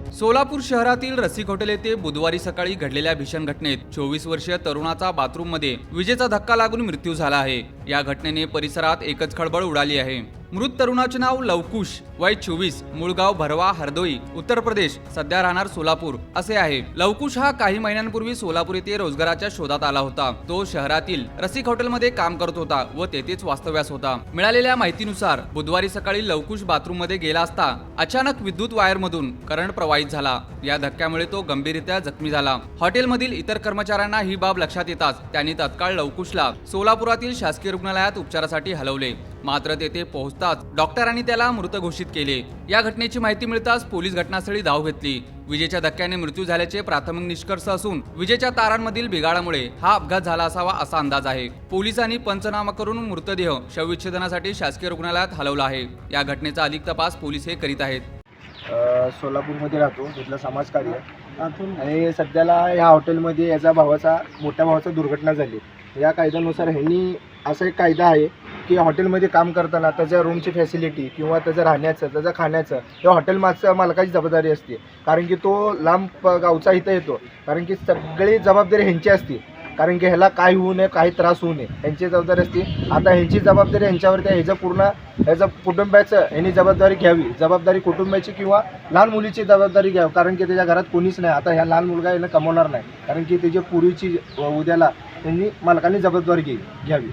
सोलापूर शहरातील रसिक हॉटेल येथे बुधवारी सकाळी घडलेल्या भीषण घटनेत 24 वर्षीय तरुणाचा बाथरूममध्ये विजेचा धक्का लागून मृत्यू झाला आहे। या घटनेने परिसरात एकच खळबळ उडाली आहे। मृत तरुणाचे नाव लवकुश, वय 24, मूळ गाव भरवा हरदोई, उत्तर प्रदेश, सध्या राहणार सोलापूर असे आहे। लवकुश हा काही महिन्यांपूर्वी सोलापूर येथे रोजगाराच्या शोधात आला होता। तो शहरातील रसिक हॉटेलमध्ये काम करत होता व तेथेच वास्तव्यास होता। मिळालेल्या माहितीनुसार बुधवारी सकाळी लवकुश बाथरूम मध्ये गेला असता अचानक विद्युत वायर मधून करंट प्रवाहित झाला। या धक्क्यामुळे तो गंभीररित्या जखमी झाला। हॉटेलमधील इतर कर्मचाऱ्यांना ही बाब लक्षात येताच त्यांनी तत्काळ लवकुशला सोलापुरातील शासकीय रुग्णालयात उपचारासाठी हलवले। मात्र तेथे पोहोचताच डॉक्टरांनी त्याला मृत घोषित केले। या घटनेची माहिती मिळताच पोलीस घटनास्थळी धाव घेतली। विजेच्या धक्क्याने मृत्यू झाल्याचे प्राथमिक निष्कर्ष असून विजेच्या तारांमधील बिघाडामुळे हा अपघात झाला असावा असा अंदाज आहे। पोलिसांनी पंचनामा करून मृतदेह शवविच्छेदनासाठी शासकीय रुग्णालयात हलवला आहे। या घटनेचा अधिक तपास पोलीस हे करीत आहेत। सोलापूरमध्ये राहतो, तिथलं समाजकार्य आणि सध्याला ह्या हॉटेलमध्ये याचा मोठ्या भावाचा दुर्घटना झाली। या कायद्यानुसार ह्यांनी असा एक कायदा आहे की हॉटेलमध्ये काम करताना त्याच्या रूमची फॅसिलिटी किंवा त्याचं राहण्याचं, त्याचं खाण्याचं या हॉटेल मालकाची जबाबदारी असते। कारण की तो लांब गावचा इथं येतो, कारण की सगळी जबाबदारी ह्यांची असते। कारण की ह्याला काय होऊ नये, काही त्रास होऊ नये ह्यांची जबाबदारी असते। आता ह्यांची जबाबदारी ह्यांच्यावरती आहे, ह्याचं कुटुंबाचं ह्यांनी जबाबदारी घ्यावी, जबाबदारी कुटुंबाची किंवा लहान मुलीची जबाबदारी घ्यावी। कारण की त्याच्या घरात कोणीच नाही, आता ह्या लहान मुलगा याला कमवणार नाही, कारण की त्याच्या पूर्वीची उद्याला त्यांनी मालकांनी जबाबदारी घ्यावी।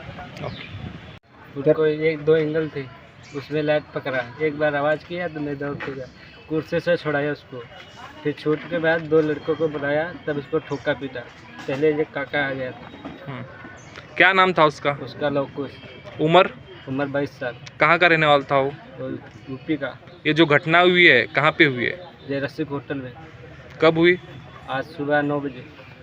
उसको एक दो एंगल थे, उसमें लाइट पकड़ा, एक बार आवाज़ किया तो मैं दौड़ के गया, कुर्सी से छुड़ाया उसको, फिर छूट के बाद दो लड़कों को बुलाया, तब उसको ठोका पीटा। पहले एक काका आ गया था। क्या नाम था उसका? उसका लवकुश, उम्र? उम्र 22 साल, कहाँ का रहने वाला था वो? और यूपी का। ये जो घटना हुई है कहाँ पे हुई है? ये रसिक होटल में कब हुई? आज सुबह 9 बजे।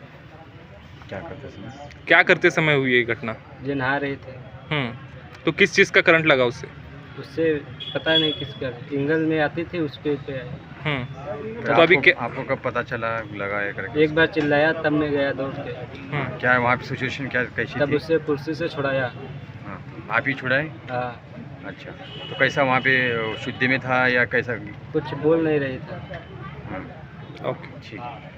क्या करते समय हुई ये घटना? ये नहा रहे थे, तो किस चीज़ का करंट लगा उससे? उससे पता नहीं किसका, एंगल में आती थी उसके पे आया। तो अभी आपको कब पता चला लगा है करके? एक बार चिल्लाया तब मैं गया दौड़ के, क्या है वहाँ पे सिचुएशन क्या कैसी तब थी? उससे कुर्सी से छुड़ाया। हाँ, आप ही छुड़ाए? हाँ, अच्छा, तो कैसा वहाँ पे शुद्धि में था या कैसा? कुछ बोल नहीं रहे थे। हाँ, ओके। ठीक है।